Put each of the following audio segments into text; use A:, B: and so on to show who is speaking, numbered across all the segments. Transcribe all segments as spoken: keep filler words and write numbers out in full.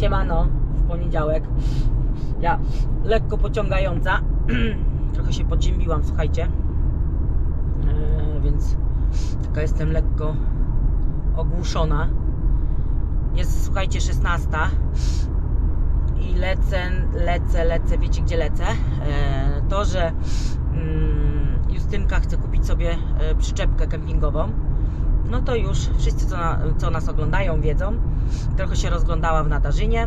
A: Siemano, w poniedziałek. Ja lekko pociągająca. Trochę się podziębiłam, słuchajcie. Yy, więc taka jestem lekko ogłuszona. Jest, słuchajcie, szesnasta i lecę, lecę, lecę, wiecie gdzie lecę? Yy, to, że yy, Justynka chce kupić sobie yy, przyczepkę kempingową, no to już wszyscy, co, na, co nas oglądają, wiedzą. Trochę się rozglądała w Nadarzynie.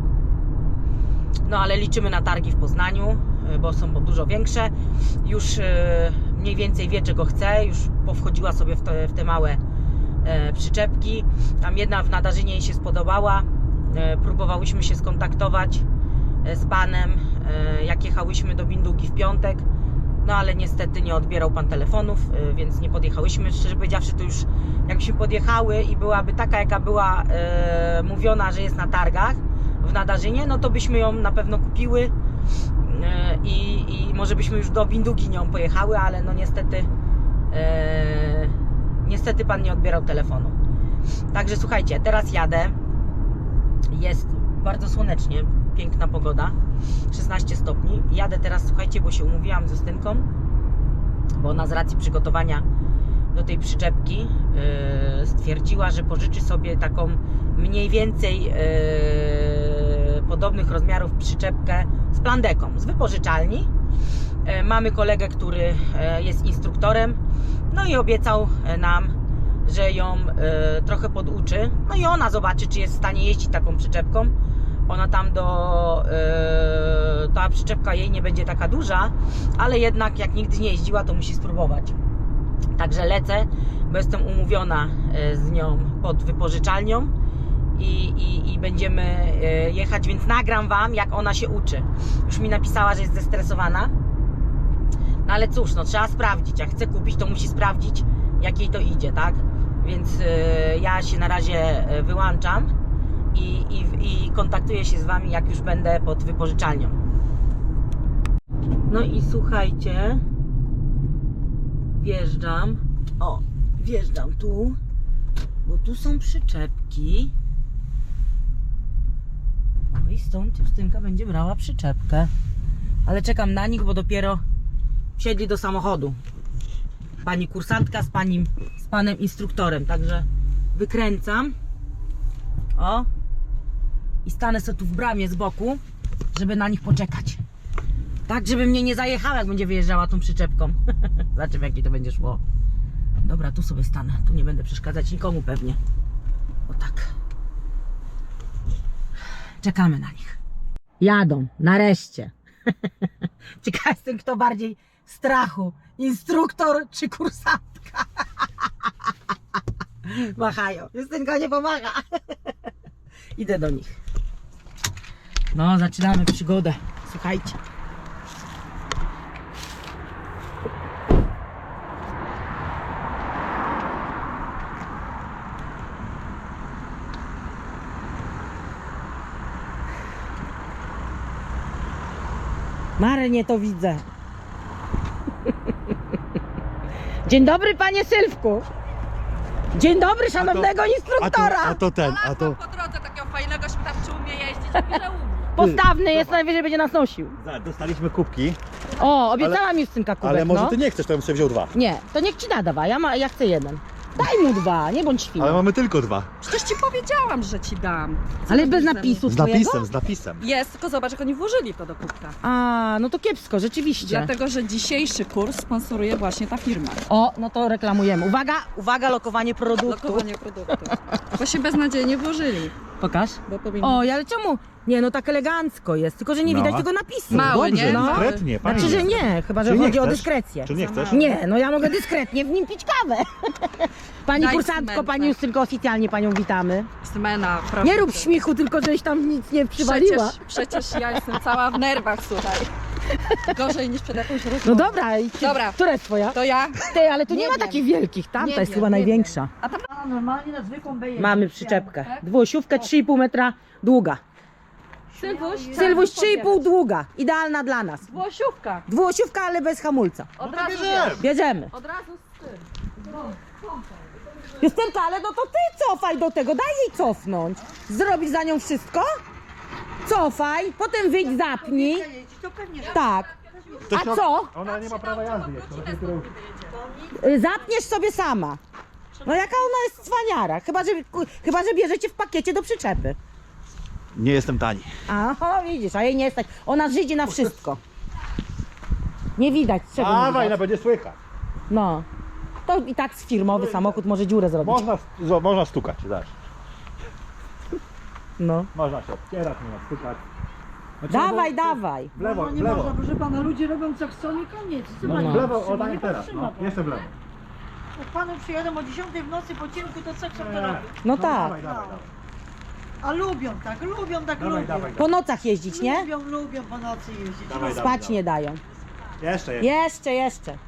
A: No ale liczymy na targi w Poznaniu, bo są dużo większe. Już mniej więcej wie, czego chce. Już powchodziła sobie w te, w te małe przyczepki. Tam jedna w Nadarzynie jej się spodobała. Próbowałyśmy się skontaktować z panem, jak jechałyśmy do Bindugi w piątek. No ale niestety nie odbierał pan telefonów, więc nie podjechałyśmy. Szczerze powiedziawszy, to już jakbyśmy podjechały i byłaby taka, jaka była e, mówiona, że jest na targach w Nadarzynie, no to byśmy ją na pewno kupiły e, i, i może byśmy już do Bindugi nią pojechały, ale no niestety e, niestety pan nie odbierał telefonu. Także słuchajcie, teraz jadę. Jest bardzo słonecznie, piękna pogoda, szesnaście stopni. Jadę teraz, słuchajcie, bo się umówiłam z Justynką, bo ona z racji przygotowania do tej przyczepki yy, stwierdziła, że pożyczy sobie taką mniej więcej yy, podobnych rozmiarów przyczepkę z plandeką, z wypożyczalni. Yy, mamy kolegę, który yy, jest instruktorem, no i obiecał nam, że ją yy, trochę poduczy, no i ona zobaczy, czy jest w stanie jeździć taką przyczepką. Ona tam do... Yy, ta przyczepka jej nie będzie taka duża, ale jednak jak nigdy nie jeździła, to musi spróbować. Także lecę, bo jestem umówiona z nią pod wypożyczalnią i, i, i będziemy jechać, więc nagram wam, jak ona się uczy. Już mi napisała, że jest zestresowana. No ale cóż, no trzeba sprawdzić. Jak chce kupić, to musi sprawdzić, jak jej to idzie, tak? Więc yy, ja się na razie wyłączam i, i, i kontaktuję się z wami, jak już będę pod wypożyczalnią. No i słuchajcie, wjeżdżam, o, wjeżdżam tu, bo tu są przyczepki. No i stąd Justynka będzie brała przyczepkę. Ale czekam na nich, bo dopiero wsiedli do samochodu. Pani kursantka z, pani, z panem instruktorem, także wykręcam. O, i stanę sobie tu w bramie z boku, żeby na nich poczekać. Tak, żeby mnie nie zajechała, jak będzie wyjeżdżała tą przyczepką. Zobaczymy, jak mi to będzie szło. Dobra, tu sobie stanę. Tu nie będę przeszkadzać nikomu pewnie. O tak. Czekamy na nich. Jadą, nareszcie. Ciekaw jestem, kto bardziej strachu. Instruktor czy kursantka? Machają. Justynka nie pomaga. Idę do nich. No, zaczynamy przygodę. Słuchajcie. Marnie to widzę. Dzień dobry, panie Sylwku. Dzień dobry, szanownego
B: a to,
A: instruktora.
B: A to, a to ten, a to...
C: po drodze takiego fajnego, żeby tam czy umie jeździć, mówi, że umie.
A: Postawny jest, najwyżej będzie nas nosił.
B: Dostaliśmy kubki,
A: O, obiecała mi Justynka kubek,
B: ale może
A: no.
B: ty nie chcesz, to bym sobie wziął dwa.
A: Nie, to niech ci da dwa, ja, ma, ja chcę jeden. Daj mu dwa, nie bądź świnią.
B: Ale mamy tylko dwa.
C: Przecież ci powiedziałam, że ci dam. Co
A: Ale
C: ty
A: bez
C: myślisz?
A: napisu
B: Z
A: swojego?
B: napisem, z napisem.
C: Jest, tylko zobacz, jak oni włożyli to do kubka.
A: A, no to kiepsko, rzeczywiście.
C: Dlatego, że dzisiejszy kurs sponsoruje właśnie ta firma.
A: O, no to reklamujemy. Uwaga, uwaga, lokowanie produktu.
C: Lokowanie produktu. Bo się beznadziejnie włożyli.
A: Pokaż.
C: Bo powinno...
A: O, ale czemu? Nie, no tak elegancko jest, tylko że nie
B: No.
A: widać tego napisu.
C: Mały,
B: Dobrze,
C: nie?
A: No.
B: dyskretnie, pani.
A: Znaczy, że nie, chyba że
B: Czy nie
A: chodzi o
B: chcesz?
A: dyskrecję.
B: Czy nie chcesz?
A: Nie, no ja mogę dyskretnie w nim pić kawę. Pani
C: Daj
A: kursantko,
C: cement,
A: pani
C: tak.
A: Justynko, oficjalnie panią witamy.
C: Smena, proszę.
A: Nie rób
C: cię.
A: śmiechu, tylko żeś tam nic nie przywaliła.
C: Przecież, przecież ja jestem cała w nerwach, słuchaj. Gorzej niż przed jakąś rozmową.
A: No dobra, i
C: Dobra.
A: która jest twoja?
C: To ja?
A: Ty, ale tu nie,
C: Nie
A: ma
C: wiem.
A: takich wielkich, tamta
C: Nie
A: jest
C: wiem,
A: chyba
C: nie
A: największa.
C: A tam
D: Normalnie na zwykłą beję.
A: Mamy przyczepkę. Dwuosiówkę, trzy i pół metra długa.
C: Sylwuś,
A: Sylwuś trzy i pół długa. Idealna dla nas.
C: Włosiówka.
A: Dwuosiówka, ale bez hamulca.
C: Od
B: to
C: razu
B: bierzemy.
C: wiesz.
A: Bierzemy.
C: Od razu z tym.
A: Justynka, ale no to ty cofaj do tego, daj jej cofnąć. Zrobić za nią wszystko? cofaj, potem wyjdź, zapnij.
D: To pewnie, że
A: Tak.
B: To
A: A
B: się-
A: co?
B: Ona nie ma prawa jazdy jeszcze. ona się kieruje.
A: Y, Zapniesz sobie sama. No jaka ona jest cwaniara. Chyba, że, chyba, że bierzecie w pakiecie do przyczepy.
B: Nie jestem tani.
A: Aha, widzisz, a jej nie stać. Ona żydzi na wszystko. Nie widać, czego nie
B: Dawaj, no
A: widać.
B: będzie słychać.
A: No. To i tak firmowy samochód może dziurę zrobić.
B: Można, zo- można stukać, zaś.
A: No.
B: Można się odpierać, można stukać. Znaczy,
A: Dawaj,
B: bo-
A: dawaj.
B: W lewo,
D: no,
B: w
D: nie
B: lewo.
D: można, proszę pana, ludzie robią co chcą i koniec. Co
A: No,
D: pani
A: no.
B: W lewo,
D: trzyma?
B: o daj
D: Nie
B: teraz.
D: trzyma
B: No,
D: pan.
B: jeszcze w lewo.
D: Jak panu przyjadą o dziesiątej w nocy po ciemku, to co chcą to robią?
A: No tak.
B: Dawaj, dawaj, dawaj.
D: A lubią tak, lubią tak,
B: Dawaj,
D: lubią.
B: dawaj,
A: Po nocach jeździć, nie?
D: Lubią, lubią po nocy jeździć.
B: Dawaj,
D: No,
B: dawaj.
A: Spać nie dają.
B: Jeszcze, jeszcze.
A: Jeszcze, jeszcze.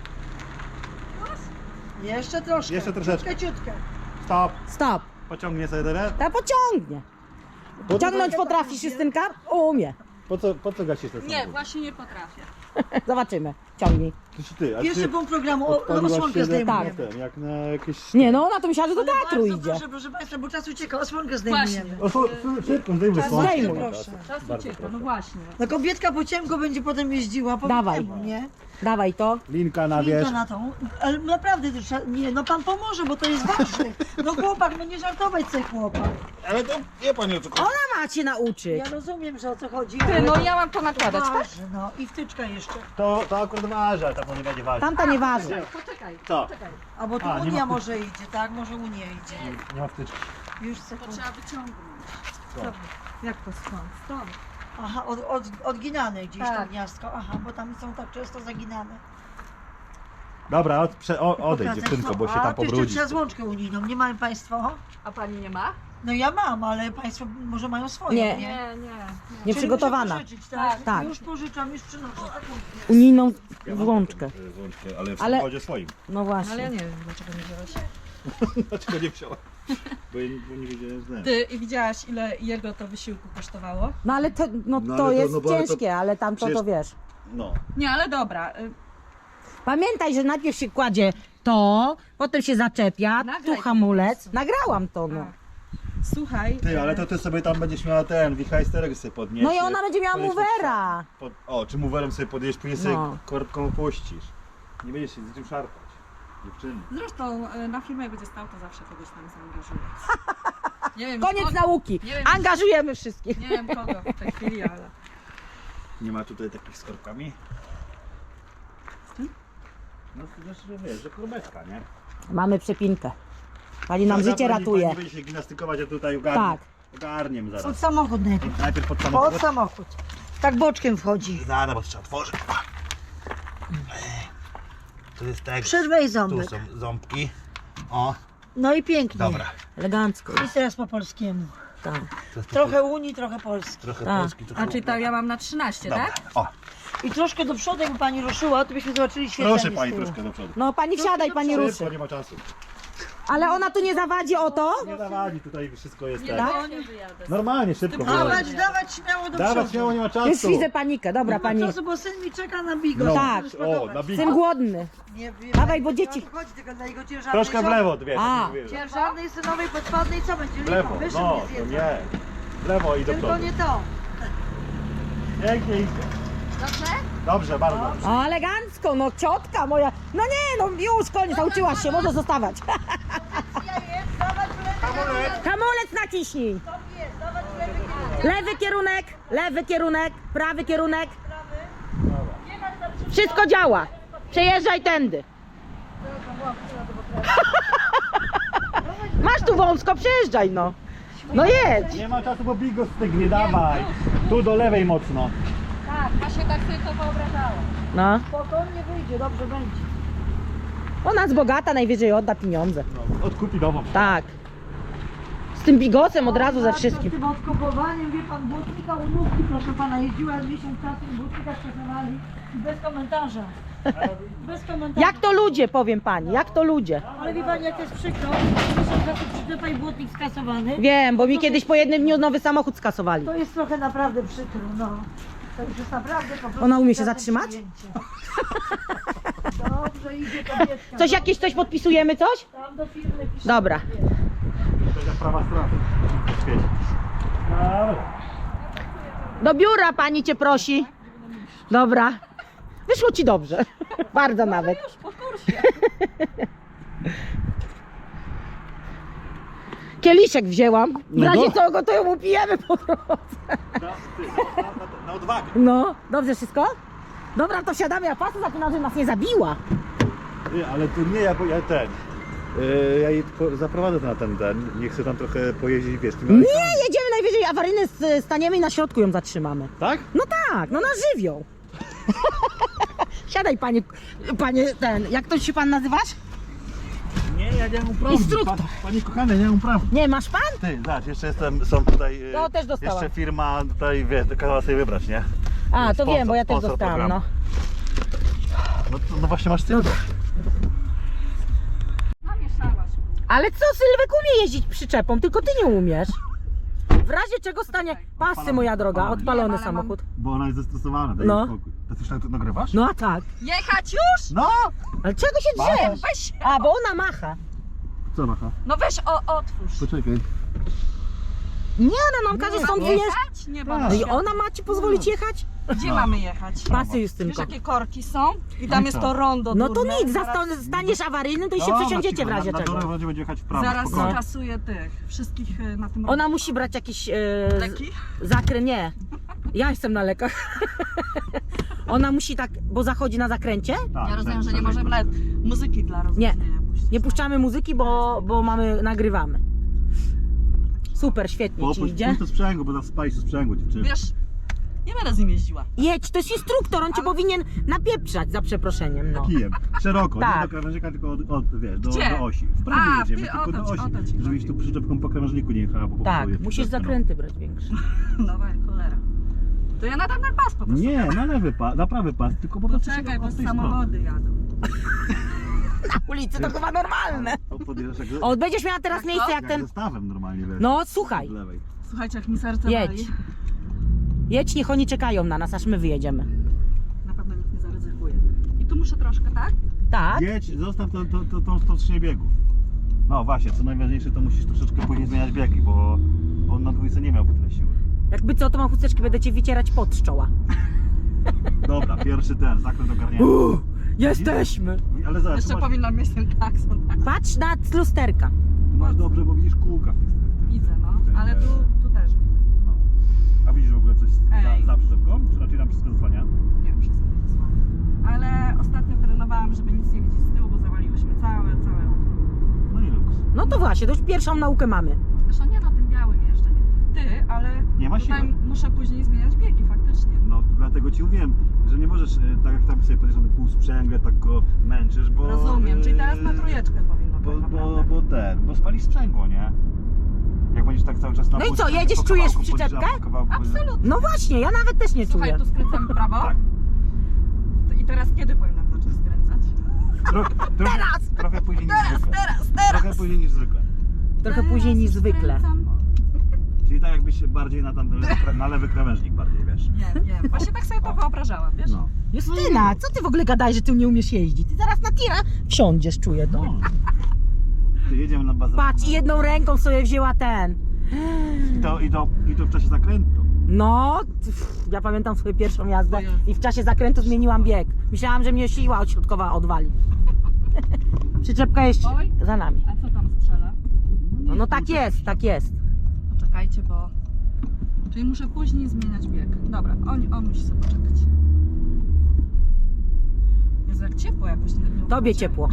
D: Jeszcze troszkę.
B: Jeszcze troszeczkę.
D: Ciutkę, ciutkę.
B: Stop.
A: Stop.
B: Pociągnie sobie teraz.
A: Ta pociągnie. Ciągnąć potrafisz, Justynka? Umie.
B: Po co, po co gasisz ten
C: Nie,
B: samochód?
C: właśnie nie potrafię.
A: Zobaczymy. Ciągnij.
B: Ty, ty, a
D: Pierwszy
B: ty
D: punkt programu, o,
B: odpaliłaś
D: osłonkę
B: się na-
D: zdejmujemy.
A: Tak.
B: ten, jak na jakieś...
A: Nie no, ona to myślała, że do
D: Ale
A: teatru
D: bardzo
A: idzie.
D: Proszę, proszę Państwa, bo czas ucieka, osłonkę zdejmujemy.
B: O, su- su- szybko, zdejmuj
D: Czas
B: słońce.
A: zdejmuj.
D: proszę.
C: Czas
B: Bardzo
C: ucieka,
B: proszę.
C: no właśnie.
D: No kobietka po ciemku będzie potem jeździła po
A: Dawaj.
D: temu, nie?
A: Dawaj to.
B: Linka na
D: Linka
B: wierzch.
D: na tą. Ale naprawdę, to trzeba- nie, no pan pomoże, bo to jest ważne. No chłopak, no nie żartować sobie chłopak.
B: Ale to nie pani o co chodzi.
A: Ona ma cię nauczyć.
D: Ja rozumiem, że o co chodzi.
C: Ty,
D: ale
C: no
D: to
C: ja mam to nakładać, tak?
D: ważne, no i wtyczka jeszcze.
B: To, to akurat waży, ale to nie będzie ważyć.
A: Tamta nie waży.
C: Poczekaj,
B: Co?
C: poczekaj.
D: A bo tu
B: A, nie
D: Unia
B: ma-
D: może idzie, tak? Może Unia idzie.
B: Nie ma wtyczki.
D: Już
C: To
D: sekundę.
C: trzeba wyciągnąć.
D: Jak to skąd? Stąd. Aha, od, od, odginane gdzieś
C: Tak.
D: to gniazdko. Aha, bo tam są tak często zaginane.
B: Dobra, od, prze, o, odejdź
D: Pokazać,
B: dziewczynko,
D: no.
B: bo się
D: A,
B: tam
D: tu jeszcze
B: pobrudzi.
D: trzeba złączkę unijną. Nie mają Państwo?
C: A pani nie ma?
D: No ja mam, ale Państwo może mają swoją,
A: Nie.
D: nie?
C: Nie, nie.
A: Nie
D: Czyli
A: przygotowana.
D: muszę pożyczyć, tak?
A: Tak.
D: Już pożyczam, już przynoszę.
A: Unijną włączkę.
B: Złączkę, ale w
A: Ale-
B: samochodzie swoim.
A: No
C: Ale ja
A: właśnie.
C: nie wiem, dlaczego nie wziąłeś.
B: Dlaczego nie wziąłem? Bo, ja nie- bo nie wiedziałem, że
C: Ty, i widziałaś, ile jego to wysiłku kosztowało?
A: No ale to, no,
B: No
A: to
B: ale to-
A: jest
B: no bo ale to-
A: ciężkie, ale tam to, to
B: przecież-
A: wiesz.
B: No.
C: Nie, ale dobra. y,
A: Pamiętaj, że najpierw się kładzie to, potem się zaczepia,
C: Nagraj
A: tu
C: to
A: hamulec.
C: po prostu.
A: Nagrałam to, no.
C: Słuchaj.
B: Ty,
C: y,
B: ale to ty sobie tam będziesz miała ten wichajsterek sobie podnieść.
A: No i ona będzie miała
B: podnieść
A: movera.
B: Pod, o, czy moverem sobie podjedziesz, później
A: No.
B: sobie korbką opuścisz. Nie będziesz się z tym szarpać. Dziewczyny.
C: Zresztą y, na filmie jak będzie stał, to zawsze kogoś tam zaangażuje. Nie wiem,
A: Koniec
C: kogo,
A: nauki.
C: nie wiem.
A: Angażujemy wszystkich.
C: Nie wiem kogo w tej chwili, ale...
B: Nie ma tutaj takich z korbkami? No to znaczy, że wiesz, że korbeczka, nie?
A: Mamy przepinkę. Pani nam
B: Dobra,
A: życie
B: pani-
A: ratuje.
B: Pani będzie się gimnastykować, a tutaj ogarniem.
A: Tak.
B: Ogarniem
D: Pod
B: zaraz.
D: samochód najpierw.
B: Najpierw pod samochód.
D: Pod samochód. Tak boczkiem wchodzi.
B: Zaraz, bo trzeba otworzyć. Tu jest tak.
D: Przerwę i
B: Tu
D: ząbek.
B: są ząbki. O,
D: No i pięknie.
B: dobra.
A: Elegancko.
D: I teraz po polskiemu.
A: Tak.
B: To jest
D: Trochę Unii, trochę Polski.
B: trochę
A: Tak.
B: polski, trochę
C: A czyli to ja mam na trzynaście,
B: Dobra.
C: tak?
B: O,
D: I troszkę do przodu, jakby pani ruszyła, to byśmy zobaczyli świetlenie
B: proszę
D: z
B: pani
D: tyłu.
B: troszkę do przodu.
A: No pani wsiadaj, pani
B: Szybko,
A: ruszy.
B: nie ma czasu.
A: Ale ona tu nie zawadzi o to?
B: Nie dawali, tutaj wszystko jest
C: Nie,
B: tak.
C: no, nie wyjadę.
B: Normalnie, szybko.
C: Tym
B: było.
D: Dawać, dawać śmiało do
B: Dawać
D: przodu.
B: śmiało, nie ma
A: Już
B: czasu.
A: widzę panikę. Dobra,
D: Nie ma
A: pani.
D: czasu, bo syn mi czeka na bigos.
B: No,
A: Tak.
B: o, na
A: Jestem
B: bigu.
A: głodny.
D: Nie wiem.
A: Dawaj, bo
D: nie
A: dzieci-
D: o to chodzi, tylko dla jego ciężarnej
B: Troszkę w
D: żony.
B: lewo, dwie.
A: A.
B: tak mówię.
D: Ciężarnej synowej podpadnej co będzie?
B: W
D: Lipa,
B: lewo,
D: wyżej
B: no,
D: nie
B: to
D: zjedzą.
B: nie. W lewo i do
D: Tylko
B: przodu.
D: nie to.
B: Pięknie idzie.
C: Dobrze?
B: Dobrze, bardzo dobrze.
A: O, elegancko, no ciotka moja. No nie, no już koniec, nauczyłaś się, może zostawać.
D: Ja jest, dawać w lewy
B: Hamulec.
A: Hamulec naciśnij.
D: kierunek. Jest, dawać w lewy kierunek.
A: Lewy kierunek, lewy kierunek, prawy kierunek. Wszystko działa. Przejeżdżaj tędy. Masz tu wąsko, przejeżdżaj no. No jedź.
B: Nie ma czasu, bo bigos stygnie, dawaj. Tu do lewej mocno.
C: Tak, właśnie tak sobie to wyobrażałam.
A: No.
D: Spokojnie wyjdzie, dobrze będzie.
A: Ona jest bogata, najwyżej odda pieniądze.
B: No, odkupi nową.
A: Tak. Z tym bigosem od razu ze
D: Z
A: wszystkim.
D: tym odkupowaniem, wie pan, błotnika u nóżki, proszę pana, jeździła miesiąc czasu i błotnika stosowali i bez komentarza. Bez komentarza.
A: Jak to ludzie, powiem pani, jak to ludzie.
D: Ale wie pani, jak to jest przykro, miesiąc czasu przyczepa i błotnik skasowany.
A: Wiem, bo mi kiedyś po jednym dniu nowy samochód skasowali.
D: To jest trochę naprawdę przykro, no. To już jest naprawdę po prostu...
A: Ona umie się
D: żadne
A: zatrzymać?
D: przyjęcie. Dobrze, idzie kobietka.
A: Coś jakieś coś podpisujemy, coś?
D: Tam do firmy pisze.
A: Dobra.
B: To jest prawa strona. Świeci. Dobra.
A: Do biura pani cię prosi. Dobra. Wyszło ci dobrze. Bardzo nawet.
C: Już po kursie.
A: Kieliszek wzięłam. W
B: No
A: razie
B: do-
A: co go to ją upijemy po drodze.
B: Na, ty, na, na, na odwagę.
A: No, dobrze wszystko? Dobra, to wsiadamy, ja patrzę, zaczynam, że nas nie zabiła.
B: Nie, ale to nie ja, bo ja ten. Yy, ja jej po, zaprowadzę na ten ten. Nie chcę tam trochę pojeździć, wiesz, tymi
A: Nie,
B: alejkami.
A: jedziemy najwyżej awaryjny, s- staniemy i na środku ją zatrzymamy.
B: Tak?
A: No tak, no na żywioł. Siadaj panie, panie ten, jak to się pan nazywasz?
B: Nie, ja nie mam praw.
A: Instruktor.
B: Pa, panie kochany, nie mam praw.
A: Nie, masz pan?
B: Ty, zobacz, jeszcze jestem, są tutaj. yy,
A: No, też dostałam.
B: Jeszcze firma tutaj, wiesz, kazała sobie wybrać, nie?
A: A, to
B: Sponsor-
A: wiem, bo ja też
B: sponsor
A: dostałam,
B: programu.
A: no.
B: No, to, no właśnie masz ty.
C: Namieszałaś.
A: Ale co, Sylwek umie jeździć przyczepą, tylko ty nie umiesz. W razie czego stanie pasy, moja droga,
B: Odpalony.
A: odpalony
C: Nie, ale mam-
A: samochód.
B: Bo ona jest zestresowana, daj
A: No.
B: no. spokój. To ty tak tu nagrywasz?
A: No a tak.
C: Jechać już?
B: No!
A: Ale czego się
B: Machasz?
A: drzesz?
C: Weź.
A: A, bo ona macha.
B: Co macha?
C: No weź o, otwórz.
B: Poczekaj.
A: Nie, ona nam każe stąd wyjeżdżać.
C: Jechać? Nie
B: Tak.
C: ma.
A: No i ona ma ci pozwolić jechać?
C: Gdzie
B: No.
C: mamy jechać?
A: Pasy
C: Wiesz
A: Justynko.
C: jakie korki są? I tam
B: No
C: jest
B: co?
C: to rondo
A: No to
C: durne.
A: nic,
C: Zaraz-
A: zasta- staniesz awaryjnym, to i się
B: Dobra,
A: przesiądziecie w
B: cicho,
A: razie
B: na, na
A: czego.
B: dole będzie jechać w prawo,
C: Zaraz
B: spokojnie.
C: skasuję tych wszystkich y, na tym
A: Ona musi brać jakiś e,
C: Leki?
A: zakręt, nie. Ja jestem na lekach. Ona musi tak, bo zachodzi na zakręcie.
B: Tak,
C: Ja rozumiem,
B: tak,
C: że nie
B: tak,
C: możemy
B: tak.
C: nawet muzyki dla rozluźnienia puścić.
A: Nie puszczamy muzyki, bo, bo mamy, nagrywamy. Super, świetnie ci
B: Popuść,
A: idzie.
B: puść to sprzęgło, bo zaraz spalisz to sprzęgło, dziewczyny.
C: Wiesz, nie będę z nim jeździła.
A: Jedź, to jest instruktor, on cię
C: Ale-
A: powinien napieprzać za przeproszeniem, no.
B: Kijem. Szeroko,
A: Tak.
B: nie do krawężnika, tylko od, od, wiesz, do,
C: Gdzie?
B: do osi. W prawo
C: A,
B: jedziemy,
C: ty-
B: tylko
C: o to
B: do
C: ci-
B: osi.
C: o to ci
B: Żebyś
C: chodzi.
B: tu przyczepką po krawężniku nie jechała, bo
A: Tak,
B: popsuje
A: musisz
B: przyczepkę, no.
A: zakręty brać większe.
C: Nowa cholera. To ja nadam na pas po prostu.
B: Nie, na lewy pas, na prawy pas, tylko po
C: To
B: prostu
C: czekaj,
B: się
C: bo
B: od tej
C: samochody jadą.
A: Na ulicy to chyba normalne.
B: strony. O, podjeżdżasz jak,
A: O, będziesz miała teraz
C: Jak
A: miejsce
C: to?
A: jak
B: jak
A: ten...
B: zestawem normalnie, wiesz.
A: No, słuchaj,
B: Od lewej.
C: Słuchajcie, jak mi serce
A: Jedź.
C: wali.
A: jedź, niech oni czekają na nas, aż my wyjedziemy.
C: Na pewno nikt nie zaryzykuje. I tu muszę troszkę, tak?
A: Tak?
B: Jedź, zostaw to, to, to, tą wstecznię biegu. No właśnie, co najważniejsze, to musisz troszeczkę później zmieniać biegi, bo on na dwójce nie miałby tyle siły.
A: Jakby co, to mam chusteczki, będę cię wycierać pot z czoła.
B: Dobra, pierwszy ten, zakręt ogarnięty.
A: Uuu, jesteśmy!
B: Ale zobacz,
C: Jeszcze
B: tu masz,
C: powinnam mieć ten klakson. Tak?
A: Patrz na lusterka.
B: tu masz dobrze, bo widzisz kółka w tych tych-
C: Widzę, no.
B: tych-
C: Ale tu, tu też widzę.
B: No. A widzisz w ogóle coś
C: Ej.
B: za, za przyczepką? Czy raczej tam wszystko zasłania?
C: Nie wiem, wszystko to słabe. Ale ostatnio trenowałam, żeby nic nie widzieć z tyłu, bo zawaliłyśmy całe, całe okno.
B: No i luks.
A: No to właśnie, to już pierwszą naukę mamy.
C: Zresztą nie na tym białym jeżdżę, nie. Ty, ale
B: Nie ma
C: tutaj
B: siły.
C: muszę później zmieniać biegi faktycznie.
B: No dlatego ci mówiłem, że nie możesz, e, tak jak tam sobie podjeżdżasz na półsprzęgle, tak go męczysz, bo...
C: Rozumiem, czyli teraz na
B: e,
C: trójeczkę powinno
B: Bo,
C: tak
B: bo,
C: naprawdę.
B: bo ten, bo spalisz sprzęgło, nie? Jak będziesz tak cały czas na
A: No i
B: pół-
A: co, jedziesz,
B: po
A: czujesz
B: kawałku
A: przyczepkę?
B: podjeżdżasz, po kawałku podjeżdżasz.
C: Absolutnie.
A: No właśnie, ja nawet też nie
C: Słuchaj,
A: czuję.
C: tu skręcamy w prawo.
B: Tak.
C: I teraz kiedy powinnam zacząć skręcać?
B: Tro, trochę,
A: Teraz!
B: trochę później niż
C: Teraz,
B: zwykle.
C: teraz,
B: Trochę
C: teraz!
B: później niż zwykle.
A: Trochę później niż
C: Teraz
A: zwykle.
C: skręcam.
B: Czyli tak jakbyś się bardziej na, tam, na lewy krawężnik bardziej, wiesz.
C: Nie, nie. Właśnie tak sobie to wyobrażałam, wiesz?
B: No.
A: Justyna, co ty w ogóle gadałeś, że ty nie umiesz jeździć? Ty zaraz na tira wsiądziesz, czuję to.
B: no. Ty jedziemy na bazę.
A: Patrz, i jedną ręką sobie wzięła ten.
B: I to, i, to, I to w czasie zakrętu.
A: No, pff, ja pamiętam swoją pierwszą jazdę i w czasie zakrętu zmieniłam bieg. Myślałam, że mnie siła odśrodkowa odwali. Przyczepka jest
C: Oj.
A: za nami.
C: A co tam strzela?
A: No, no tak jest, tak jest.
C: Poczekajcie, bo... Czyli muszę później zmieniać bieg. Dobra, on, on musi sobie poczekać. Jezu, jak ciepło jakoś. Nie, nie
A: Tobie
C: uważacie?
A: ciepło.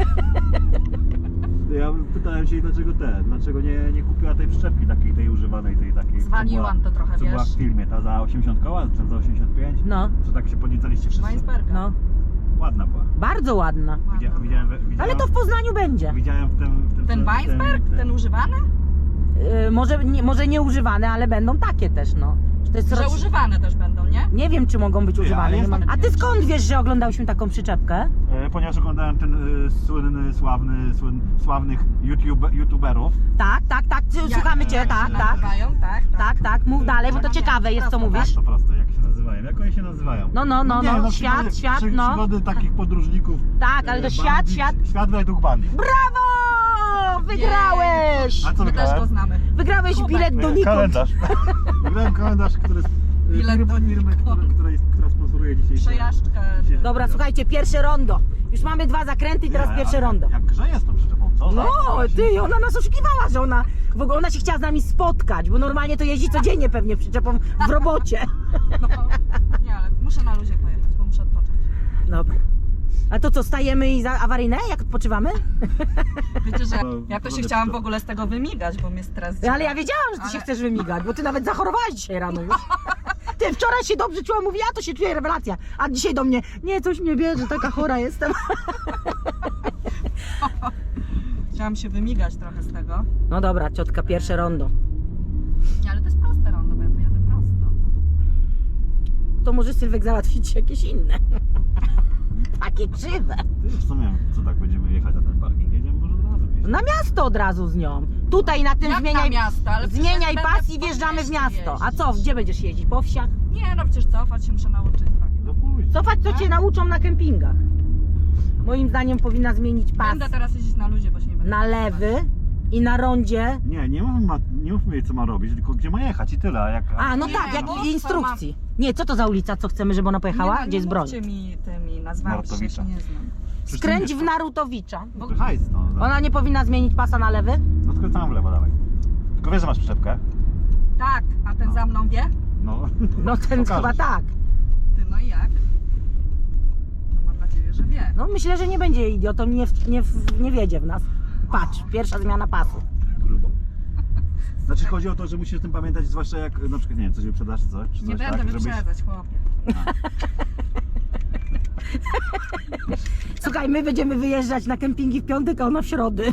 B: Ja pytałem się, dlaczego ten, dlaczego nie, nie kupiła tej przyczepki takiej, tej używanej, tej takiej. co
C: Zwaliłam
B: była-
C: to trochę,
B: Co była
C: wiesz?
B: w filmie, ta za osiemdziesiąt koła, czy za osiemdziesiąt pięć?
A: No,
B: Co tak się podniecaliście wszyscy?
C: Weinsberga.
A: no.
B: Ładna była.
A: Bardzo ładna.
C: Ładna.
B: Widziałem, widziałem, widziałem,
A: Ale to w Poznaniu będzie.
B: widziałem w tym... W tym
C: Ten
B: w tym-
C: Weinsberg? Ten używany?
A: Yy, może, nie, może nie używane, ale będą takie też, no. To jest
C: Że
A: roc-
C: używane też będą, nie?
A: Nie wiem, czy mogą być
B: Ty, ale
A: używane. Nie
B: jest
A: mam...
B: taki-
A: A ty skąd wiesz, że oglądałyśmy taką przyczepkę?
B: E, ponieważ oglądałem ten e, słynny, sławny, słyn, sławnych YouTube, YouTuberów.
A: Tak, tak, tak.
C: Ja-
A: Słuchamy cię,
B: jak
A: tak,
B: się
A: tak.
C: Nazywają, tak,
A: Tak, tak, mów dalej, bo to ciekawe jest, co mówisz.
B: To proste, jak się nazywają. Jak oni się nazywają?
A: No, no, no,
B: nie,
A: no,
B: no
A: świat,
B: przygody,
A: świat,
B: przy,
A: no.
B: Przygody takich podróżników.
A: Tak, ale to
B: e,
A: świat,
B: bandit,
A: świat.
B: Świat według bandit.
A: Brawo! Wygrałeś!
B: A co
C: My też
B: wygrałem?
C: go znamy.
A: Wygrałeś
C: Kubek.
A: bilet do
B: E,
A: Nikon.
B: Kalendarz. Wygrałem kalendarz, który
C: Bilet do
B: firmy, która, która, jest, która sponsoruje dzisiaj.
C: Przejażdżkę.
A: Dobra, słuchajcie, pierwsze rondo. Już mamy dwa zakręty i teraz pierwsze rondo.
B: Jak grzeje z tą przyczepą, co?
A: No, ty, ona nas oszukiwała, że ona, w ogóle ona się chciała z nami spotkać, bo normalnie to jeździ codziennie pewnie przyczepą w robocie.
C: No, nie, ale muszę na luzie pojechać, bo muszę odpocząć.
A: Dobra. A to co, stajemy i za awaryjne, jak odpoczywamy?
C: Wiecie, że
B: To
C: ja to się
B: robię
C: chciałam
B: to.
C: w ogóle z tego wymigać, bo mnie stres
A: Ale ja wiedziałam, że ty
C: Ale-
A: się chcesz wymigać, bo ty nawet zachorowałaś dzisiaj rano już. Ty wczoraj się dobrze czuła, mówi, ja to się czuję, rewelacja. A dzisiaj do mnie, nie, coś mnie bierze, taka chora jestem.
C: Chciałam się wymigać trochę z tego.
A: No dobra, ciotka, pierwsze rondo.
C: Nie, ale to jest proste rondo, bo ja tu jadę prosto.
A: To może Sylwek załatwić jakieś inne. Takie krzywe.
B: Ty już co miałem, co tak będziemy jechać na ten parking? Jedziemy może od razu gdzieś.
A: Na miasto od razu z nią. Tutaj na tym
C: Jak
A: zmieniaj,
C: na miasto, ale przecież
A: zmieniaj
C: będę
A: pas i
C: po
A: wjeżdżamy w
C: mieście
A: miasto. A
C: jeździć.
A: co, gdzie będziesz jeździć? Po wsiach?
C: Nie, no przecież cofać się muszę nauczyć. Tak.
B: No pójdź.
A: Cofać to cię nauczą na kempingach. Moim zdaniem powinna zmienić pas
C: Będę teraz jeździć na luzie, bo się nie będę
A: na lewy i na rondzie.
B: Nie, nie mówmy, ma, nie mówmy jej co ma robić, tylko gdzie ma jechać i tyle. A jak,
A: A, no
C: Nie,
A: tak, jak
C: bo
A: w instrukcji. Nie, co to za ulica, co chcemy, żeby ona pojechała?
C: Nie,
A: Gdzie jest broń?
C: Nie mówcie mi tymi nazwami, przecież
B: Narutowicza.
C: się nie znam.
B: Przecież
A: Skręć
B: to
A: w
B: nie-
A: Narutowicza.
B: To hajs, no.
A: Ona nie powinna zmienić pasa na lewy?
B: No skręcamy w lewo, dawaj. Tylko wiesz, że masz przyczepkę?
C: Tak, a ten za mną wie?
B: No.
A: No ten
B: Pokażesz.
A: chyba tak.
C: Ty, no i jak? No mam nadzieję, że wie.
A: No myślę, że nie będzie idiotą, nie, w- nie, w- nie wiedzie w nas. Patrz, pierwsza zmiana pasu.
B: Grubo. Znaczy chodzi o to, że musisz o tym pamiętać, zwłaszcza jak na przykład, nie wiem, coś wyprzedasz czy coś, czy
C: Nie
B: coś
C: będę
B: tak, żebyś...
C: wyprzedzać, chłopie.
A: Słuchaj, my będziemy wyjeżdżać na kempingi w piątek, a ona w środy.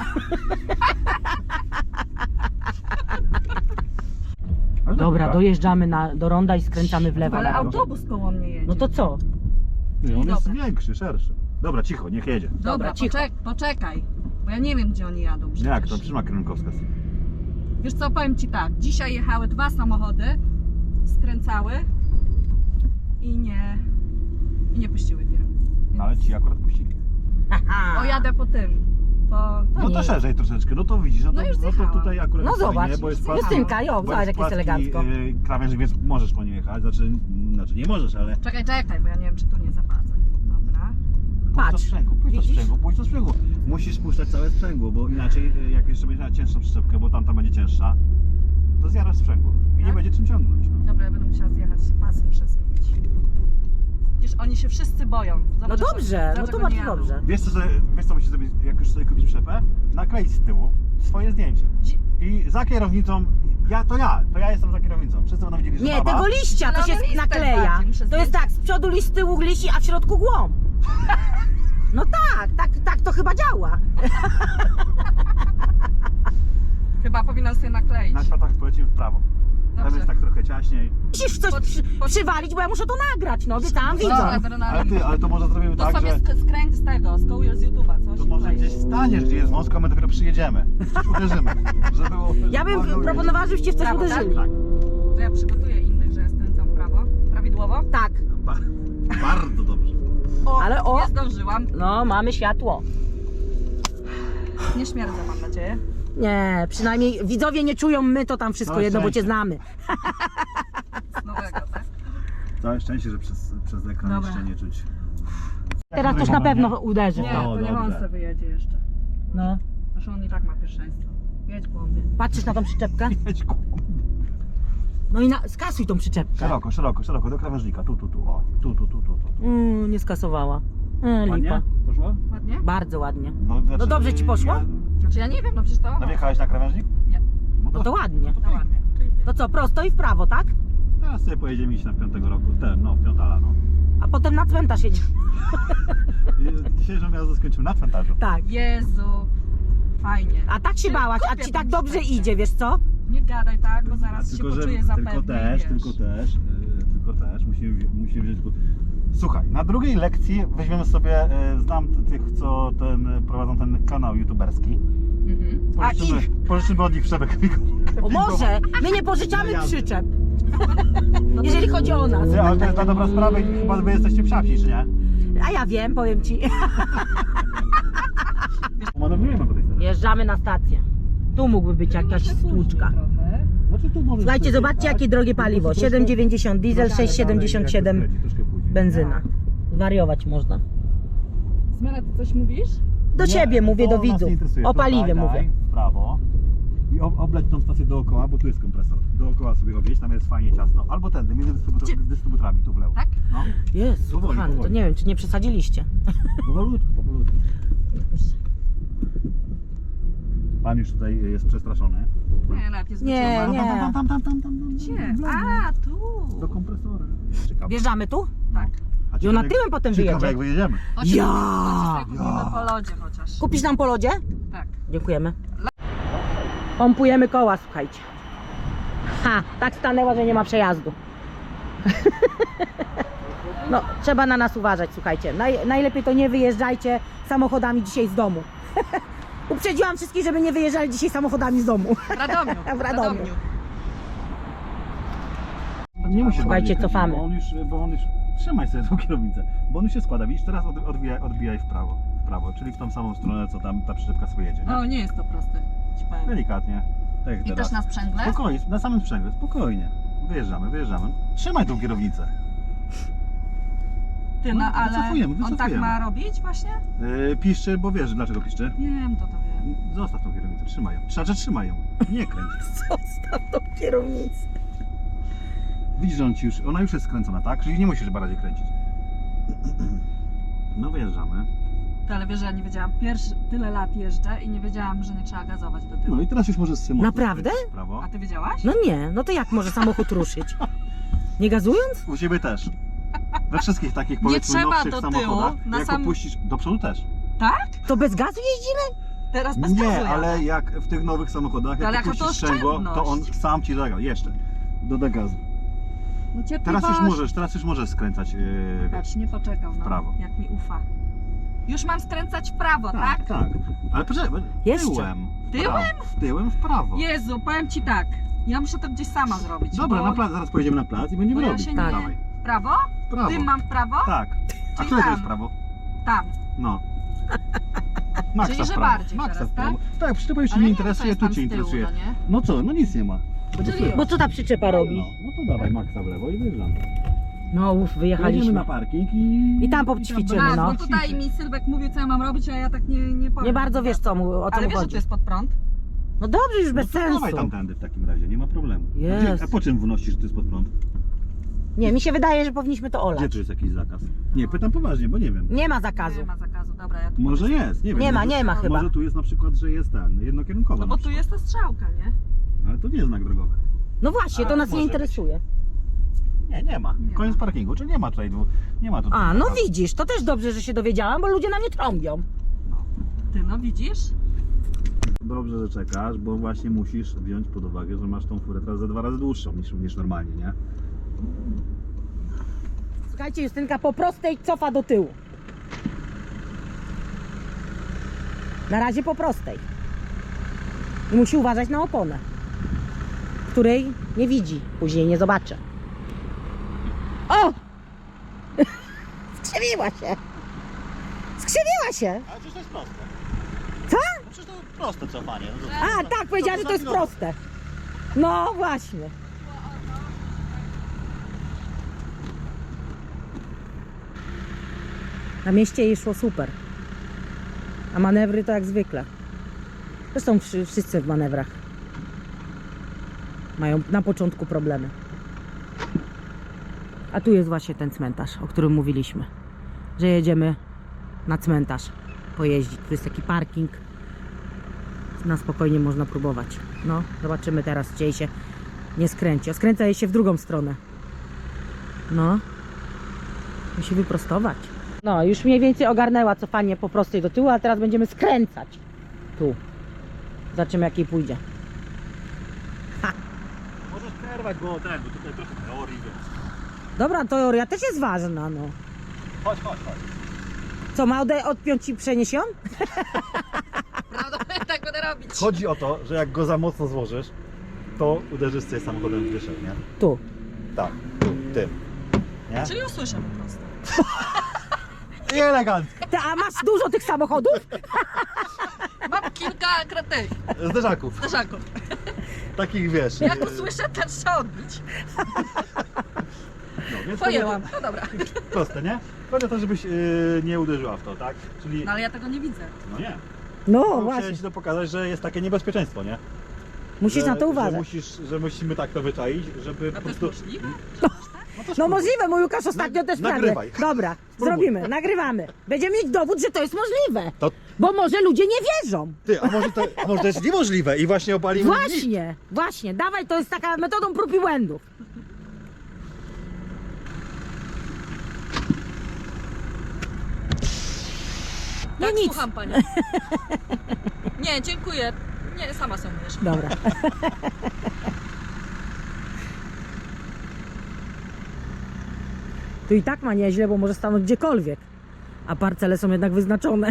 B: Ale
A: Dobra,
B: dobra.
A: dojeżdżamy na, do ronda i skręcamy w lewo.
C: Ale
B: Dobra.
C: autobus koło mnie jedzie.
A: No to co?
B: Nie, on jest
C: Dobra.
B: większy, szerszy. Dobra, cicho, niech jedzie.
C: Dobra,
A: Dobra, cicho.
C: poczek poczekaj, bo ja nie wiem, gdzie oni jadą przecież.
B: Jak to trzyma kierunkowskaz?
C: Wiesz co, powiem Ci tak, dzisiaj jechały dwa samochody, skręcały i nie, i nie puściły tiry.
B: No, ale ci akurat puścili.
A: Haha.
C: O, jadę po tym, to...
B: No
A: nie.
B: to szerzej troszeczkę, no to widzisz, no to,
C: No już
B: no to
C: zjechałam.
B: tutaj akurat
A: No
B: jest
A: zobacz,
B: fajnie, bo jest płaski,
A: Justynka, jo,
B: bo
A: zobacz jak jest
B: płaski,
A: elegancko.
B: Yy, krawędź, więc możesz po niej jechać, znaczy, znaczy nie możesz, ale
C: Czekaj, czekaj, bo ja nie wiem, czy tu nie zapadzę. Dobra.
B: pójdź do
A: Patrz,
B: sprzęgu, pójdź do
A: widzisz?
B: sprzęgu, pójdź do sprzęgu. Musisz spuszczać całe sprzęgło, bo inaczej yy, jak jeszcze będziesz miała cięższą przyczepkę, bo tamta będzie cięższa, to zjarasz sprzęgło i nie
C: Tak?
B: będzie czym ciągnąć. No.
C: Dobra, ja będę musiała zjechać, pas muszę zmienić. Widzisz, oni się wszyscy boją. Zobacz,
A: No dobrze, no
C: dlaczego
A: to
C: nie
A: bardzo
C: jadą.
A: dobrze.
B: Wiesz co, sobie, wiesz co musisz zrobić, jak już sobie kupisz przyczepę? Nakleić z tyłu swoje zdjęcie.
C: Dzi-
B: I za kierownicą, ja to ja, to ja jestem za kierownicą. Wszyscy będą widzieli, że
A: Nie,
B: baba.
A: tego liścia to się
C: Zielony listek
A: nakleja.
C: bardziej muszę
A: To jest
C: zdjąć.
A: tak, z przodu liść, z tyłu liści, a w środku głąb. No tak, tak, tak to chyba działa.
C: Chyba powinnam sobie nakleić.
B: Na światach polecimy w prawo. Tam
C: Dobrze.
B: jest tak trochę ciaśniej.
A: Musisz w coś przy, przywalić, bo ja muszę to nagrać, no obiecałam widzom.
C: Dobra,
B: Ale
C: adrenalina.
B: ty, ale to może zrobimy
C: To
B: tak,
C: sobie
B: że
C: sk- skręć z tego, skołujesz z YouTube'a, coś?
B: to może
C: Tutaj.
B: gdzieś staniesz, gdzie jest wąsko, a my dopiero przyjedziemy. Coś uderzymy. Żeby było,
A: Ja bym
B: żeby
A: proponowała, żebyście w coś
C: Brawo, tak?
A: uderzyli.
B: Tak.
C: To ja przygotuję innych, że ja skręcam w prawo. Prawidłowo?
A: Tak,
B: Ba bardzo dobrze.
C: O,
A: Ale o-
C: nie zdążyłam.
A: no mamy światło.
C: Nie śmierdzę, mam nadzieję.
A: Nie, przynajmniej widzowie nie czują, my to tam wszystko
B: Całe
A: jedno, bo cię
B: szczęście.
A: znamy.
C: Z nowego, tak?
B: Całe szczęście, że przez, przez ekran
C: Dobra.
B: jeszcze nie czuć.
A: Teraz też na pewno uderzy.
C: Nie,
A: to.
C: to nie
B: dobrze.
C: on sobie wyjedzie jeszcze.
A: No.
C: Zresztą on i tak ma pierwszeństwo. Jedź głąbie.
A: Patrzysz na tą przyczepkę?
B: Jedź ku-
A: No i na, skasuj tą przyczepkę.
B: Szeroko, szeroko, szeroko, do krawężnika. Tu, tu, tu, o. Tu, tu, tu, tu, tu.
A: Mm, nie skasowała. E, lipa.
B: Ładnie? Poszło?
C: Ładnie?
A: Bardzo ładnie.
B: No, znaczy,
A: No dobrze ci poszło?
B: Ja...
C: Znaczy ja nie wiem, no przecież to...
B: No wjechałeś na krawężnik?
C: Nie,
A: No to ładnie.
C: to ładnie. Czyli nie.
A: To co, prosto i w prawo, tak?
B: Teraz sobie pojedziemy iść na piątego roku. Ten, no, w piątala, no.
A: A potem na cmentarz jedzie.
B: I Dzisiejszą miasto skończymy na cmentarzu.
A: Tak.
C: Jezu, fajnie.
A: A tak się
C: Ty,
A: bałaś, a
C: kupię
A: ci
C: tą
A: tak dobrze
C: przyczepkę.
A: idzie, wiesz co?
C: Nie gadaj tak, bo zaraz się
B: tylko, że,
C: poczuję zapewnie,
B: tylko też,
C: wiesz.
B: tylko też, yy, tylko też musimy, musimy wziąć pod... Słuchaj, na drugiej lekcji weźmiemy sobie, yy, znam tych, co ten, prowadzą ten kanał youtuberski.
C: Mhm.
A: A
B: Pożyczymy,
A: ich?
B: pożyczymy od nich przebek.
A: O może, my nie pożyczamy przyczep. Jeżeli chodzi o nas.
B: Ty, ale to jest na dobrą sprawę i chyba wy jesteście psiapsi, czy nie?
A: A ja wiem, powiem ci.
B: Manewrujemy po tej stronie.
A: Jeżdżamy na stację. Tu mógłby być jakaś
C: Może później
A: stłuczka.
C: trochę.
B: Znaczy tu możesz
A: Słuchajcie,
B: sobie
A: zobaczcie
B: jechać.
A: jakie drogie paliwo.
B: Troszkę-
A: siedem dziewięćdziesiąt diesel,
B: troszkę
A: sześć siedemdziesiąt siedem
B: dalej, jak to skręci, troszkę później.
A: benzyna. Wariować można.
C: Zmiana, ty coś mówisz?
A: Do
B: Nie,
A: siebie mówię,
B: to
A: do
B: nas nie
A: widzów.
B: interesuje.
A: O
B: Tutaj
A: paliwie
B: daj
A: mówię.
B: w prawo i ob- obleć tą stację dookoła, bo tu jest kompresor. Dookoła sobie objedź, tam jest fajnie ciasno. Albo tędy, między dystrybutor-
C: Gdzie?
B: dystrybutorami, tu w lewo.
C: Tak?
B: No,
A: Jezu,
B: Powoli,
A: kochany, to
B: powoli.
A: nie wiem, czy nie przesadziliście.
B: powolutku, powolutku. Pan już tutaj jest przestraszony.
C: Nie, nawet nie
A: Nie,
C: zwróciłam.
A: nie.
B: Tam, tam, tam, tam, tam, tam, tam.
C: Gdzie?
B: w lewo.
C: A, tu.
B: Do kompresora. Ciekawe.
A: Wjeżdżamy tu?
C: Tak.
B: A
A: I ona
B: ciekawe,
A: tyłem potem
B: ciekawe,
A: wyjedzie.
B: jak wyjedziemy.
C: Chodź,
A: Ja!
C: chodź, kupimy
B: Ja!
C: po lodzie chociaż.
A: Kupisz nam po lodzie?
C: Tak.
A: Dziękujemy. Pompujemy koła, słuchajcie. Ha, tak stanęła, że nie ma przejazdu. No, trzeba na nas uważać, słuchajcie. Naj, najlepiej to nie wyjeżdżajcie samochodami dzisiaj z domu. Uprzedziłam wszystkich, żeby nie wyjeżdżali dzisiaj samochodami z domu.
C: W Radomiu.
A: W Radomiu.
B: Nie musisz
A: Słuchajcie,
B: bardziej kręcić,
A: cofamy.
B: Bo on już, bo on już... Trzymaj sobie tą kierownicę, bo on już się składa. Widzisz, teraz od, odbijaj, odbijaj w prawo. W prawo, czyli w tą samą stronę, co tam ta przyczepka sobie jedzie. Nie?
C: O, nie jest to proste. Ci powiem.
B: Delikatnie. Tak jak
C: I
B: teraz.
C: też na sprzęgle?
B: Spokojnie, na samym sprzęgle, spokojnie. Wyjeżdżamy, wyjeżdżamy. Trzymaj tą kierownicę.
C: Ty, no
B: No,
C: ale
B: wycofujemy,
C: on tak
B: wycofujemy.
C: ma robić właśnie?
B: Yy, piszczy, bo wiesz, dlaczego piszczy.
C: Wiem, to to wiem.
B: Zostaw tą kierownicę, trzymaj ją. Znaczy, trzymaj ją. Nie kręć.
A: Zostaw tą kierownicę.
B: Widzisz, że on ci już, ona już jest skręcona, tak? Czyli nie musisz bardziej kręcić. No wyjeżdżamy.
C: Ty, ale wiesz, że ja nie wiedziałam. Pierwszy tyle lat jeżdżę i nie wiedziałam, że nie trzeba gazować do tyłu.
B: No i teraz już możesz sobie mocno
A: Naprawdę?
B: skręcić w prawo.
C: A ty wiedziałaś?
A: No nie, no to jak może samochód ruszyć? Nie gazując?
B: U ciebie też. We wszystkich takich,
C: Nie
B: powiedzmy,
C: trzeba
B: nowszych
C: do tyłu,
B: samochodach,
C: na
B: jak
C: sam-
B: opuścisz, do przodu też.
C: Tak?
A: To bez gazu jeździmy?
C: Teraz bez gazu
B: Nie,
C: jadę.
B: ale jak w tych nowych samochodach, jak
C: Ale jaka
B: opuścisz
C: to
B: sprzęgło, to on
C: oszczędność.
B: sam ci zaga. Jeszcze. Doda gazu.
C: No
B: Teraz
C: cierpliwość.
B: już możesz, teraz już możesz skręcać. Yy, wiesz.
C: Patrz, nie poczekał, no.
B: prawo.
C: Jak mi ufa. Już mam skręcać w prawo, tak?
B: Tak, tak. Ale poczekaj,
A: Jeszcze.
B: tyłem. w
C: Tyłem?
B: prawo, w Tyłem w prawo.
C: Jezu, powiem ci tak. Ja muszę to gdzieś sama zrobić.
B: Dobra,
C: bo...
B: na plac, zaraz pojedziemy na plac i będziemy
C: Bo ja
B: robić.
C: się
A: Tak.
C: nie...
B: Dawaj.
C: W prawo?
B: W prawo.
C: Tym mam w prawo?
B: Tak. A
C: Czyli
B: które to
C: tam.
B: jest prawo?
C: Tam.
B: No. Maxa
C: Czyli,
B: w
C: że
B: prawo.
C: bardziej
B: Maxa
C: teraz,
B: w prawo. Tak, przyczepa już cię
C: Ale
B: nie
C: nie wiem, co
B: interesuje,
C: jest
B: tu
C: tam
B: cię
C: z tyłu,
B: interesuje.
C: no nie?
B: No co, no nic nie ma. Tego
C: Czyli
B: słychać.
A: Bo co ta przyczepa robi?
B: No, no to dawaj Maxa w lewo i wyjeżdżamy.
A: No uff,
B: Jedziemy
A: wyjechaliśmy.
B: na parking i...
A: I tam poćwiczymy,
C: A,
A: no.
C: bo tutaj mi Sylwek mówił, co ja mam robić, a ja tak nie, nie powiem.
A: Nie bardzo wiesz co mu, o co
C: Ale
A: mu
C: wiesz, że
A: chodzi.
C: to jest pod prąd?
A: No dobrze, już bez
B: no to dawaj
A: sensu.
B: tamtędy w takim razie, nie ma problemu. A,
A: Jest.
B: gdzie, a po czym wnosisz, że to jest pod prąd?
A: Nie, mi się wydaje, że powinniśmy to
B: Gdzie
A: olać.
B: tu jest jakiś zakaz? Nie, pytam poważnie, bo nie wiem.
A: Nie ma zakazu.
C: Nie ma zakazu, dobra, ja tu...
B: Może jest, nie wiem.
A: Nie ma,
B: może,
A: nie ma chyba.
B: Może tu jest na przykład, że jest ten, jednokierunkowa
C: No
B: na
C: bo tu
B: przykład.
C: jest ta strzałka, nie?
B: Ale to nie jest znak drogowy.
A: No właśnie,
B: A,
A: to nas nie
B: może
A: interesuje.
B: Nie, nie ma.
C: Nie
B: Koniec
C: ma.
B: parkingu, czy nie ma tutaj, dwu- nie ma tutaj
A: A, no
B: zakazu.
A: widzisz, to też dobrze, że się dowiedziałam, bo ludzie na mnie trąbią.
C: Ty, no widzisz?
B: Dobrze, że czekasz, bo właśnie musisz wziąć pod uwagę, że masz tą furę teraz za dwa razy dłuższą niż, niż normalnie, nie?
A: Słuchajcie, Justynka po prostej cofa do tyłu. Na razie po prostej. I musi uważać na oponę, której nie widzi, później nie zobaczy. O! Skrzywiła się! Skrzywiła się!
B: Ale przecież to jest proste.
A: Co?
B: No przecież to proste cofanie. No
A: A, tak, powiedziała, że to jest proste. No właśnie. Na mieście jej szło super. A manewry to jak zwykle. Zresztą wszy- wszyscy w manewrach mają na początku problemy. A tu jest właśnie ten cmentarz, o którym mówiliśmy. Że jedziemy na cmentarz pojeździć. Tu jest taki parking. Na spokojnie można próbować. No, zobaczymy teraz, czy jej się nie skręci. O, skręca jej się w drugą stronę. No. Musi wyprostować. No, już mniej więcej ogarnęła cofanie po prostej do tyłu, a teraz będziemy skręcać. Tu. Zobaczymy, jak jej pójdzie.
B: Możesz przerwać, bo ten, bo tutaj trochę teorii jest.
A: Dobra, teoria też jest ważna, no.
B: Chodź, chodź, chodź.
A: Co, ma ode- odpiąć ci przeniesią?
C: Prawda? Tak będę robić.
B: Chodzi o to, że jak go za mocno złożysz, to uderzysz sobie samochodem w dyszek, nie?
A: Tu.
B: Tak, tu, tym. Nie?
C: Czyli usłyszę po prostu.
B: I elegancko.
A: Ty, a masz dużo tych samochodów?
C: Mam kilka kratych,
B: Zderzaków.
C: zderzaków.
B: takich wiesz.
C: Jak
B: e,
C: usłyszę, ten trzeba odbić.
B: no, więc
C: Pojęłam. No dobra.
B: Proste, nie? Chodzi o to, żebyś e, nie uderzyła w to, tak? Czyli,
C: No ale ja tego nie widzę.
B: no nie.
A: No
B: No,
A: właśnie,
B: chciałem ci to pokazać, że jest takie niebezpieczeństwo, nie?
A: musisz
B: że,
A: na to
B: Że,
A: uważać.
B: musisz, że musimy tak to wyczaić, żeby
C: A
B: po
C: to jest
B: prostu...
C: możliwe?
B: No, to
A: No
B: spróbuj.
A: możliwe, mój Łukasz ostatnio
B: Nag-
A: też prawie.
B: nagrywaj.
A: Dobra,
B: Spróbuj.
A: zrobimy, nagrywamy. Będziemy mieć dowód, że to jest możliwe.
B: To,
A: Bo może ludzie nie wierzą.
B: ty, a może to, a może to jest niemożliwe i właśnie opalimy...
A: Właśnie, właśnie, dawaj, to jest taka metodą prób i błędów. No
C: Tak,
A: nic.
C: słucham Panią. Nie, dziękuję. Nie, sama sobie myjesz.
A: Dobra. Tu i tak ma nieźle, bo może stanąć gdziekolwiek. A parcele są jednak wyznaczone.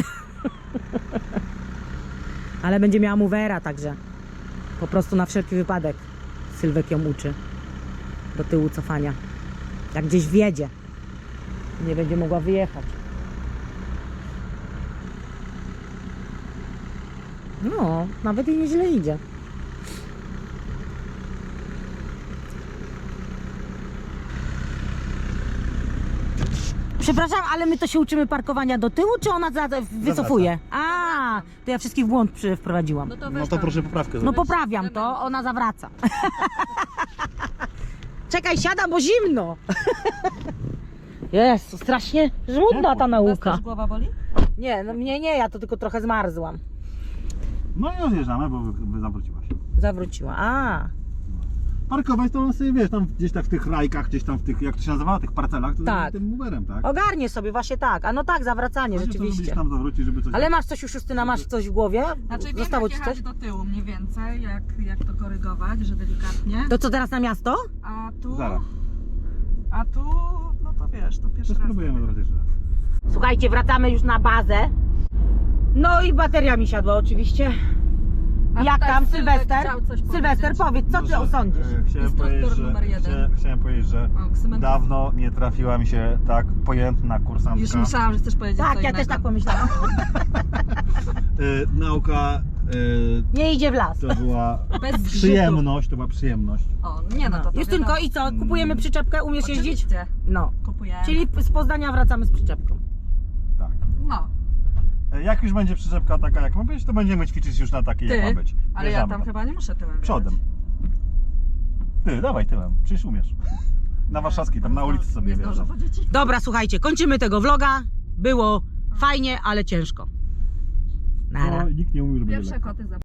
A: Ale będzie miała movera, także po prostu na wszelki wypadek Sylwek ją uczy do tyłu cofania. Jak gdzieś wjedzie, nie będzie mogła wyjechać. No, nawet jej nieźle idzie. Przepraszam, ale my to się uczymy parkowania do tyłu, czy ona za, wycofuje? A, to ja wszystkich w błąd przy, wprowadziłam.
C: No to,
B: No
C: weź
B: to
C: tam.
B: proszę poprawkę
A: No
B: zrobić.
A: poprawiam to, ona zawraca. Czekaj, siada, bo zimno. Jest, strasznie żmudna ta
C: Was
A: nauka.
C: też głowa boli?
A: Nie, no mnie nie, ja to tylko trochę zmarzłam.
B: No i rozjeżdżamy, bo wy, wy zawróciłaś.
A: Zawróciła, a.
B: Parkować to on sobie, wiesz, tam gdzieś tak w tych rajkach, gdzieś tam w tych, jak to się nazywa, tych parcelach, to
A: Tak.
B: tym Uberem, tak?
A: Ogarnie sobie, właśnie tak. A no tak, zawracanie,
B: Chodzi o to, żebyś
A: rzeczywiście.
B: tam zawrócić, żeby coś...
A: Ale masz coś już, Justyna, masz coś w głowie?
C: Znaczy wiem,
A: Zostało
C: jak
A: ci coś?
C: jechać do tyłu mniej więcej, jak, jak to korygować, że delikatnie.
A: To co teraz na miasto?
C: A tu...
B: Zaraz.
C: A tu... No to wiesz, to
B: To
C: pierwszy raz.
B: spróbujemy teraz jeszcze raz.
A: Słuchajcie, wracamy już na bazę. No i bateria mi siadła oczywiście.
C: A
A: Jak
C: tutaj
A: tam,
C: Sylwek
A: Sylwester?
C: chciał coś
A: Sylwester,
C: powiedzieć.
A: powiedz, co ty
B: Może,
A: osądzisz?
B: e, Chciałem
C: Instruktor
B: powiedzieć, że,
C: numer jeden.
B: Chciałem, chciałem powiedzieć, że
C: O, ksymentu-
B: dawno nie trafiła mi się tak pojętna kursantka.
C: Już myślałam, że chcesz powiedzieć co
A: Tak, ja
C: innego.
A: też tak pomyślałam.
B: Y, nauka y,
A: Nie idzie w las.
B: to była
C: Bez zgrzytu.
B: przyjemność, to była przyjemność.
C: O, nie no to to
A: Justynko,
C: wiadomo.
A: i co? Kupujemy przyczepkę? Umiesz jeździć?
C: Oczywiście.
A: No.
C: Kupujemy.
A: Czyli z Poznania wracamy z przyczepką.
B: Tak.
C: No,
B: Y, Jak już będzie przyczepka taka jak ma być, to będziemy ćwiczyć już na takiej
C: Ty,
B: jak ma być.
C: ale ja
B: Wjeżdżamy
C: tam
B: tam.
C: chyba nie muszę tyłem
B: Przodem. Ty, dawaj tyłem, przecież umiesz. Na warszawskiej, tam na ulicy sobie
C: Nie zdążę
B: wjeżdżam.
C: po dzieci.
A: Dobra, słuchajcie, kończymy tego vloga. Było fajnie, ale ciężko. Nara.
B: No, nikt nie mówił, że będzie
C: Pierwsze
B: lekko.
C: koty za